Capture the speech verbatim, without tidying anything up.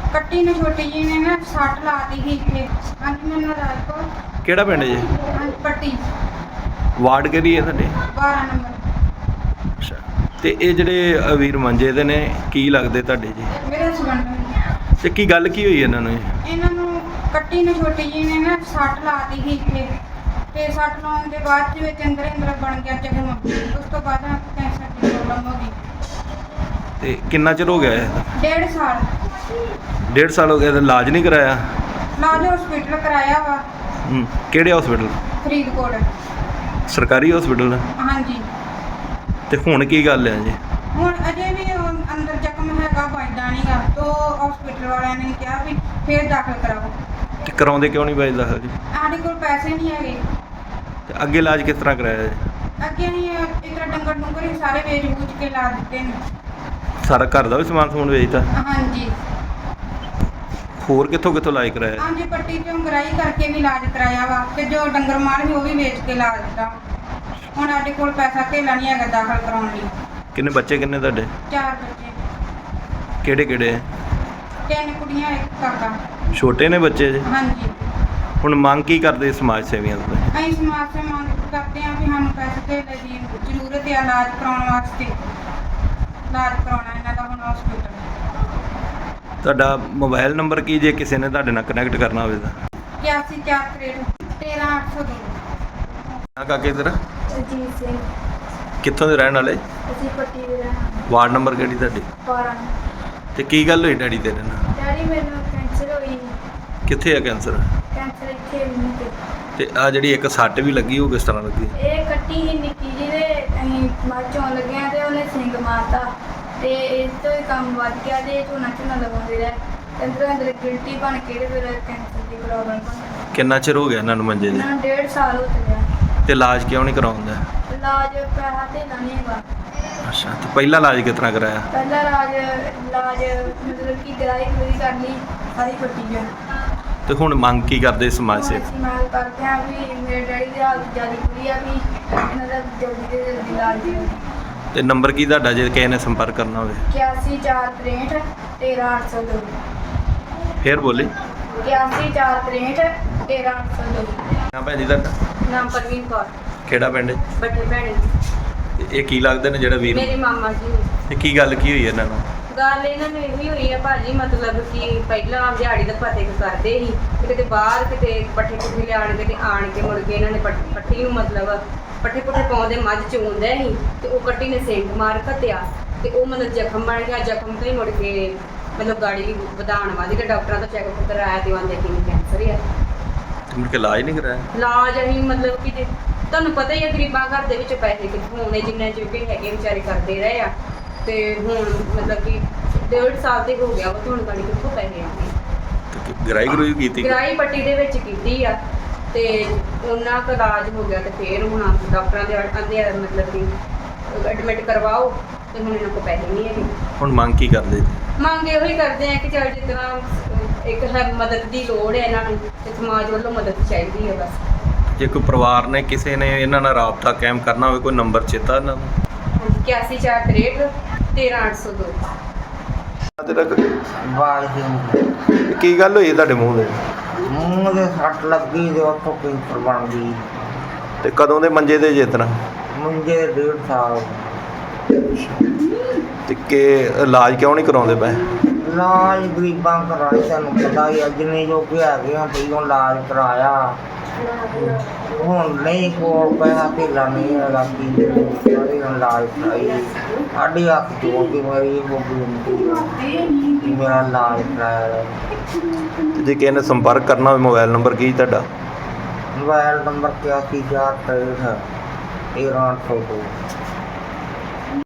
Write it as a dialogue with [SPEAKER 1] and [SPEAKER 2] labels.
[SPEAKER 1] ਕੱਟੀ ਨੇ ਛੋਟੀ ਜੀ ਨੇ ਨਾ ਸੱਟ ਲਾਤੀ ਸੀ ਇੱਥੇ। ਹਾਂਜੀ ਮੈਨੂੰ ਰਾਜਕੋਟ
[SPEAKER 2] ਕਿਹੜਾ ਪਿੰਡ ਜੀ?
[SPEAKER 1] ਹਾਂਜੀ ਪੱਟੀ
[SPEAKER 2] ਵਾਰਡ ਕਿਹੜੀ ਹੈ ਤੁਹਾਡੇ?
[SPEAKER 1] ਬਾਰਾਂ ਨੰਬਰ।
[SPEAKER 2] ਅੱਛਾ, ਤੇ ਇਹ ਜਿਹੜੇ ਅ, ਵੀਰ ਮੰਜੇ ਦੇ ਨੇ ਕੀ ਲੱਗਦੇ ਤੁਹਾਡੇ ਜੀ?
[SPEAKER 1] ਮੇਰੇ ਹਸਬੰਡ ਨੇ।
[SPEAKER 2] ਤੇ ਕੀ ਗੱਲ ਕੀ ਹੋਈ ਇਹਨਾਂ ਨੂੰ?
[SPEAKER 1] ਇਹਨਾਂ ਨੂੰ ਕੱਟੀ ਨੇ ਛੋਟੀ ਜੀ ਨੇ ਨਾ ਸੱਟ ਲਾਤੀ ਸੀ ਇੱਥੇ ਤੇ ਸੱਟ ਲਾਉਣ ਦੇ ਬਾਅਦ ਦੇ ਵਿੱਚ ਅੰਦਰ ਅੰਦਰ ਬਣ ਗਿਆ ਜ਼ਖਮ। ਉਸ ਤੋਂ ਬਾਅਦ ਕੈਂਸਰ ਦੀ ਪ੍ਰੋਬਲਮ ਹੋ ਗਈ।
[SPEAKER 2] ਤੇ ਕਿੰਨਾ ਚਿਰ ਹੋ ਗਿਆ ਇਹ?
[SPEAKER 1] ਡੇਢ ਸਾਲ
[SPEAKER 2] ਡੇਢ ਸਾਲ ਹੋ ਗਿਆ ਤੇ ਇਲਾਜ ਨਹੀਂ ਕਰਾਇਆ?
[SPEAKER 1] ਇਲਾਜ ਹਸਪੀਟਲ ਕਰਾਇਆ ਵਾ
[SPEAKER 2] ਹੂੰ, ਕਿਹੜੇ ਹਸਪੀਟਲ?
[SPEAKER 1] ਫਰੀਦਕੋਟ।
[SPEAKER 2] ਸਰਕਾਰੀ ਹਸਪੀਟਲ?
[SPEAKER 1] ਹਾਂਜੀ।
[SPEAKER 2] ਤੇ ਹੁਣ ਕੀ ਗੱਲ ਹੈ ਜੀ?
[SPEAKER 1] ਹੁਣ ਅਜੇ ਵੀ ਉਹ ਅੰਦਰ ਜ਼ਖਮ ਹੈਗਾ, ਵੱਜਦਾ ਨਹੀਂਗਾ। ਤੋ ਹਸਪੀਟਲ ਵਾਲਿਆਂ ਨੇ ਕਿਹਾ ਵੀ ਫੇਰ ਦਾਖਲ ਕਰਾਓ।
[SPEAKER 2] ਤੇ ਕਰਾਉਂਦੇ ਕਿਉਂ ਨਹੀਂ ਬਾਈ ਦਾਖਲ ਜੀ?
[SPEAKER 1] ਸਾਡੇ ਕੋਲ ਪੈਸੇ ਨਹੀਂ ਹੈਗੇ।
[SPEAKER 2] ਤੇ ਅੱਗੇ ਇਲਾਜ ਕਿਸ ਤਰ੍ਹਾਂ ਕਰਾਇਆ ਜੀ?
[SPEAKER 1] ਅੱਗੇ ਅਸੀਂ ਇਸ ਤਰ੍ਹਾਂ ਡੰਗਰ ਡੁੰਗਰ ਹੀ ਸਾਰੇ ਵੇਚ ਵੂਚ ਕੇ ਲਾ ਦਿੱਤੇ ਨੇ।
[SPEAKER 2] ਸਾਰਾ ਘਰ ਦਾ ਵੀ ਸਮਾਨ ਸਮੂਨ ਵੇਚਤਾ?
[SPEAKER 1] ਹਾਂਜੀ।
[SPEAKER 2] ਹੋਰ ਕਿੱਥੋਂ ਕਿੱਥੋਂ ਇਲਾਜ ਕਰਾਇਆ?
[SPEAKER 1] ਹਾਂਜੀ ਪੱਟੀ ਚੋਂ ਗਰਾਈ ਕਰਕੇ ਵੀ ਇਲਾਜ ਕਰਾਇਆ ਵਾ ਤੇ ਜੋ ਡੰਗਰ ਮਾਲ ਸੀ ਉਹ ਵੀ ਵੇਚ ਕੇ ਲਾ ਦਿੱਤਾ। ਹੁਣ ਸਾਡੇ ਕੋਲ ਪੈਸਾ ਧੇਲਾ ਨਹੀਂ ਹੈਗਾ ਦਾਖਲ ਕਰਾਉਣ ਲਈ।
[SPEAKER 2] ਕਿੰਨੇ ਬੱਚੇ ਕਿੰਨੇ ਤੁਹਾਡੇ?
[SPEAKER 1] ਚਾਰ ਬੱਚੇ,
[SPEAKER 2] ਕਿਹੜੇ ਕਿਹੜੇ?
[SPEAKER 1] ਤਿੰਨ ਕੁੜੀਆਂ ਇੱਕ ਕਾਕਾ।
[SPEAKER 2] ਛੋਟੇ ਨੇ ਬੱਚੇ ਜੀ?
[SPEAKER 1] ਹਾਂਜੀ।
[SPEAKER 2] ਹੁਣ ਮੰਗ ਕੀ ਕਰਦੇ ਸਮਾਜ ਸੇਵੀਆਂ ਤੋਂ?
[SPEAKER 1] ਅਸੀਂ ਸਮਾਜ ਸੇ ਮੰਗ ਕਰਦੇ ਹਾਂ ਵੀ ਸਾਨੂੰ ਪੈਸੇ ਧੇਲੇ ਦੀ ਜ਼ਰੂਰਤ ਹੈ ਇਲਾਜ ਕਰਾਉਣ ਵਾਸਤੇ। ਇਲਾਜ ਕਰਾਉਣਾ ਇਹਨਾਂ ਦਾ ਹੁਣ ਹਸਪੀਟਲ।
[SPEAKER 2] ਤੁਹਾਡਾ ਮੋਬਾਈਲ ਨੰਬਰ ਕੀ ਜੇ ਕਿਸੇ ਨੇ ਤੁਹਾਡੇ ਨਾਲ ਕਨੈਕਟ ਕਰਨਾ ਹੋਵੇ ਤਾਂ?
[SPEAKER 1] ਇਕਿਆਸੀ ਚਾਰ ਤਰੇਹਠ ਤੇਰਾਂ ਅੱਠ ਸੌ ਦੋ।
[SPEAKER 2] ਆ ਕਾਕੇ ਤੇਰਾ?
[SPEAKER 1] ਅਜੀਤ ਸਿੰਘ।
[SPEAKER 2] ਕਿੱਥੋਂ ਦੇ ਰਹਿਣ ਵਾਲੇ?
[SPEAKER 1] ਅਸੀਂ ਪੱਟੀ ਦੇ ਰਹਿਣ ਵਾਲੇ।
[SPEAKER 2] ਵਾਰਡ ਨੰਬਰ ਕਿਹੜੀ ਤੁਹਾਡੀ?
[SPEAKER 1] ਬਾਰਾਂ।
[SPEAKER 2] ਤੇ ਕੀ ਗੱਲ ਹੋਈ ਡੈਡੀ ਤੇਰੇ ਨਾਲ?
[SPEAKER 1] ਡੈਡੀ ਮੈਨੂੰ ਕੈਂਸਰ ਹੋਈ।
[SPEAKER 2] ਕਿੱਥੇ ਆ ਕੈਂਸਰ?
[SPEAKER 1] ਕੈਂਸਰ ਇੱਥੇ ਵੀ ਤੇ
[SPEAKER 2] ਤੇ ਆ ਜਿਹੜੀ ਇੱਕ ਸੱਟ ਵੀ ਲੱਗੀ ਉਹ ਕਿਸ ਤਰ੍ਹਾਂ ਲੱਗੀ?
[SPEAKER 1] ਇਹ ਕੱਟੀ ਹੀ ਨਿੱਕੀ ਜਿਹੀ ਦੇ ਅਸੀਂ ਮੱਝ ਚੋਣ ਲੱਗਿਆ ਤੇ ਉਹਨੇ ਸਿੰਗ ਮਾਰਤਾ ਤੇ ਇਸ ਤੋਂ ਹੀ ਕੰਮ ਵੱਧ ਗਿਆ ਤੇ ਝੋਨਾ ਝੋਨਾ ਲਗਾਉਂਦੇ ਰਹੇ ਤੇ ਅੰਦਰ ਅੰਦਰ ਗਿਲਟੀ ਬਣ ਕੇ ਤੇ ਫਿਰ ਕੈਂਸਰ ਦੀ ਪ੍ਰੋਬਲਮ ਬਣ ਗਈ।
[SPEAKER 2] ਕਿੰਨਾ ਚਿਰ ਹੋ ਗਿਆ ਇਹਨਾਂ ਨੂੰ ਮੰਜੇ ਦੇ?
[SPEAKER 1] ਇਹਨਾਂ ਨੂੰ ਡੇਢ ਸਾਲ ਹੋ ਚੁੱਕਿਆ।
[SPEAKER 2] ਤੇ ਇਲਾਜ ਕਿਉਂ ਨਹੀਂ ਕਰਾਉਂਦਾ?
[SPEAKER 1] ਇਲਾਜ ਪੈਸਾ ਧੇਲਾ ਨਹੀਂ ਹੈਗਾ।
[SPEAKER 2] ਅੱਛਾ, ਤੇ ਪਹਿਲਾ ਇਲਾਜ ਕਿਸ ਤਰ੍ਹਾਂ ਕਰਾਇਆ?
[SPEAKER 1] ਪਹਿਲਾ ਇਲਾਜ ਇਲਾਜ ਮਤਲਬ ਕਿ ਗਰਾਈ ਪੂਰੀ ਕਰ ਲਈ ਸਾਰੀ ਪੱਟੀ ਗਿਆ।
[SPEAKER 2] ਤੇ ਹੁਣ ਮੰਗ ਕੀ ਕਰਦੇ ਸਮਾਜ
[SPEAKER 1] ਹੁਣ
[SPEAKER 2] ਸੇ?
[SPEAKER 1] ਅਸੀਂ ਮੰਗ ਕਰਦੇ ਹਾਂ ਵੀ ਮੇਰੇ ਡੈਡੀ ਦੀ ਹਾਲਤ ਜ਼ਿਆਦਾ ਬੁਰੀ ਆ ਵੀ ਇਹਨਾਂ ਦਾ ਜਲਦੀ ਤੋਂ ਜਲਦੀ ਇਲਾਜ ਦਿਓ।
[SPEAKER 2] ਤੇ ਨੰਬਰ ਕੀ ਤੁਹਾਡਾ ਜੇ ਕਿਸੇ ਨੇ ਸੰਪਰਕ ਕਰਨਾ ਹੋਵੇ?
[SPEAKER 1] ਇਕਿਆਸੀ ਚਾਰ ਤਰੇਹਠ ਤੇਰਾਂ ਅੱਠ ਸੌ ਦੋ।
[SPEAKER 2] ਫੇਰ ਬੋਲੇ।
[SPEAKER 1] ਇਕਿਆਸੀ ਚਾਰ ਤਰੇਹਠ ਤੇਰਾਂ ਅੱਠ ਸੌ ਦੋ।
[SPEAKER 2] ਨਾ ਭੈਣ ਜੀ ਤੁਹਾਡਾ?
[SPEAKER 1] ਨਾਮ ਪ੍ਰਵੀਨ ਕੌਰ।
[SPEAKER 2] ਕਿਹੜਾ ਪਿੰਡ?
[SPEAKER 1] ਬੱਠੇ ਭੈਣੀ।
[SPEAKER 2] ਤੇ ਇਹ ਕੀ ਲੱਗਦੇ ਨੇ ਜਿਹੜਾ ਵੀਰ?
[SPEAKER 1] ਮੇਰੇ ਮਾਮਾ ਜੀ।
[SPEAKER 2] ਤੇ ਕੀ ਗੱਲ ਕੀ ਹੋਈ ਇਹਨਾਂ ਨੂੰ?
[SPEAKER 1] ਗੱਲ ਇਹਨਾਂ ਨੂੰ ਇਹੀ ਹੋਈ ਹੈ ਭਾਜੀ, ਮਤਲਬ ਕਿ ਪਹਿਲਾਂ ਦਿਹਾੜੀ ਦਾ ਪਤੇ ਕਰਦੇ ਸੀ ਤੇ ਕਿਤੇ ਬਾਹਰ ਕਿਤੇ ਪੱਠੇ ਪੁੱਠੇ ਲਿਆਣ ਕੇ ਤੇ ਆਣ ਕੇ ਮੁੜ ਕੇ ਇਹਨਾਂ ਨੇ ਪੱਠ- ਪੱਠੀ ਨੂੰ ਮਤਲਬ ਪੱਠੇ ਪੁੱਠੇ ਪਾਉਂਦੇ ਮੱਝ ਚੋਂਦੇ ਸੀ ਤੇ ਉਹ ਕੱਟੀ ਨੇ ਸਿੰਗ ਮਾਰ ਘੱਤਿਆ ਤੇ ਉਹ ਮਤਲਬ ਜ਼ਖਮ ਬਣ ਗਿਆ। ਜ਼ਖਮ ਤੋਂ ਹੀ ਮੁੜ ਕੇ ਮਤਲਬ ਗਾੜੀ ਵਧਾਉਣ ਵਾਲੀ ਕਿ ਡਾਕਟਰਾਂ ਤੋਂ ਚੈੱਕਅਪ ਕਰਾਇਆ ਤੇ ਆਂਦੇ ਕਿ ਕੈਂਸਰ ਹੈ।
[SPEAKER 2] ਤੇ ਮੁੜ ਕੇ ਇਲਾਜ ਨਹੀਂ ਕਰਾਇਆ?
[SPEAKER 1] ਇਲਾਜ ਅਸੀਂ ਮਤਲਬ ਕਿ ਜੇ ਤੁਹਾਨੂੰ ਪਤਾ ਹੀ ਹੈ ਗਰੀਬਾਂ ਘਰ ਦੇ ਵਿੱਚ ਪੈਸੇ ਕਿੱਥੋਂ ਆਉਣੇ, ਜਿੰਨੇ ਜੋਗੇ ਹੈਗੇ ਵਿਚਾਰੇ ਕਰਦੇ ਰਹੇ ਆ ਤੇ ਹੁਣ ਮਤਲਬ ਕਿ ਡੇਢ ਸਾਲ ਤੇ ਹੋ ਗਿਆ ਵਾ ਤੇ ਹੁਣ ਗਾੜੀ ਕਿੱਥੋਂ ਪੈਸੇ ਆਉਣੇ।
[SPEAKER 2] ਤੇ ਗਰਾਈ ਗਰੂਈ ਕੀਤੀ?
[SPEAKER 1] ਗਰਾਈ ਪੱਟੀ ਦੇ ਵਿੱਚ ਕੀਤੀ ਆ ਤੇ ਉਹਨਾਂ ਦਾ ਇਲਾਜ ਹੋ ਗਿਆ ਤੇ ਫੇਰ ਹੁਣ ਡਾਕਟਰਾਂ ਦੇ ਆਂਦੇ ਆ ਮਤਲਬ ਕਿ ਐਡਮਿਟ ਕਰਵਾਓ ਤੇ ਹੁਣ ਇਹਨਾਂ ਕੋਲ ਪੈਸੇ ਨਹੀਂ ਹੈਗੇ।
[SPEAKER 2] ਹੁਣ ਮੰਗ ਕੀ ਕਰਦੇ?
[SPEAKER 1] ਮੰਗ ਇਹੋ ਹੀ ਕਰਦੇ ਆ ਕਿ ਚੱਲ ਜਿਸ ਤਰ੍ਹਾਂ ਇੱਕ ਹੈ ਮਦਦ ਦੀ ਲੋੜ ਹੈ ਇਹਨਾਂ ਨੂੰ ਤੇ ਸਮਾਜ ਵੱਲੋਂ ਮਦਦ ਚਾਹੀਦੀ ਹੈ ਬਸ।
[SPEAKER 2] ਜੇ ਕੋਈ ਪਰਿਵਾਰ ਨੇ ਕਿਸੇ ਨੇ ਇਹਨਾਂ ਨਾਲ ਰਾਬਤਾ ਕਾਇਮ ਕਰਨਾ ਹੋਵੇ ਕੋਈ ਨੰਬਰ ਚੇਤਾ ਇਹਨਾਂ ਨੂੰ?
[SPEAKER 1] ਇਕਿਆਸੀ ਚਾਰ ਤਰੇਹਠ ਤੇਰਾਂ ਅੱਠ ਸੌ ਦੋ।
[SPEAKER 3] ਬਾਲ ਜੀ
[SPEAKER 2] ਕੀ ਗੱਲ ਹੋਈ ਤੁਹਾਡੇ ਮੂੰਹ ਦੇ?
[SPEAKER 3] ਮੂੰਹ ਦੇ ਸੱਟ ਲੱਗੀ ਤੇ ਉੱਥੋਂ ਕੈਂਸਰ ਬਣ ਗਈ।
[SPEAKER 2] ਤੇ ਕਦੋਂ ਦੇ ਮੰਜੇ ਦੇ ਜੇ ਤਰ੍ਹਾਂ?
[SPEAKER 3] ਮੁੰਡੇ ਦੇ ਡੇਢ ਸਾਲ ਹੋ ਗਏ।
[SPEAKER 2] ਤੇ ਕਿ ਇਲਾਜ ਕਿਉਂ ਨਹੀਂ ਕਰਾਉਂਦੇ ਪਏ?
[SPEAKER 3] ਇਲਾਜ ਗਰੀਬਾਂ ਕਰਾਇਆ, ਤੁਹਾਨੂੰ ਪਤਾ ਹੀ ਅੱਜ ਨਹੀਂ ਜੋ ਕਿ ਹੈਗੇ ਆ ਪਹਿਲਾਂ ਇਲਾਜ ਕਰਾਇਆ। ਹੁਣ ਨਹੀਂ ਕੋਲ ਪੈਸਾ ਧੇਲਾ ਨਹੀਂ ਹੈਗਾ ਕੀ ਸਾਰੇ ਇਲਾਜ ਕਰਾਈ। ਸਾਡੀ ਹੱਥ ਜੋੜ ਕੇ ਮੇਰੀ ਇਹ ਬੇਨਤੀ ਮੇਰਾ ਇਲਾਜ ਕਰਾਇਆ।
[SPEAKER 2] ਤੇ ਜੇ ਕਿਸੇ ਨੇ ਸੰਪਰਕ ਕਰਨਾ ਹੋਵੇ ਮੋਬਾਈਲ ਨੰਬਰ ਕੀ ਤੁਹਾਡਾ?
[SPEAKER 3] ਮੋਬਾਈਲ ਨੰਬਰ ਇਕਿਆਸੀ ਚਾਰ ਤਰੇਹਠ ਤੇਰਾਂ ਅੱਠ ਸੌ ਦੋ।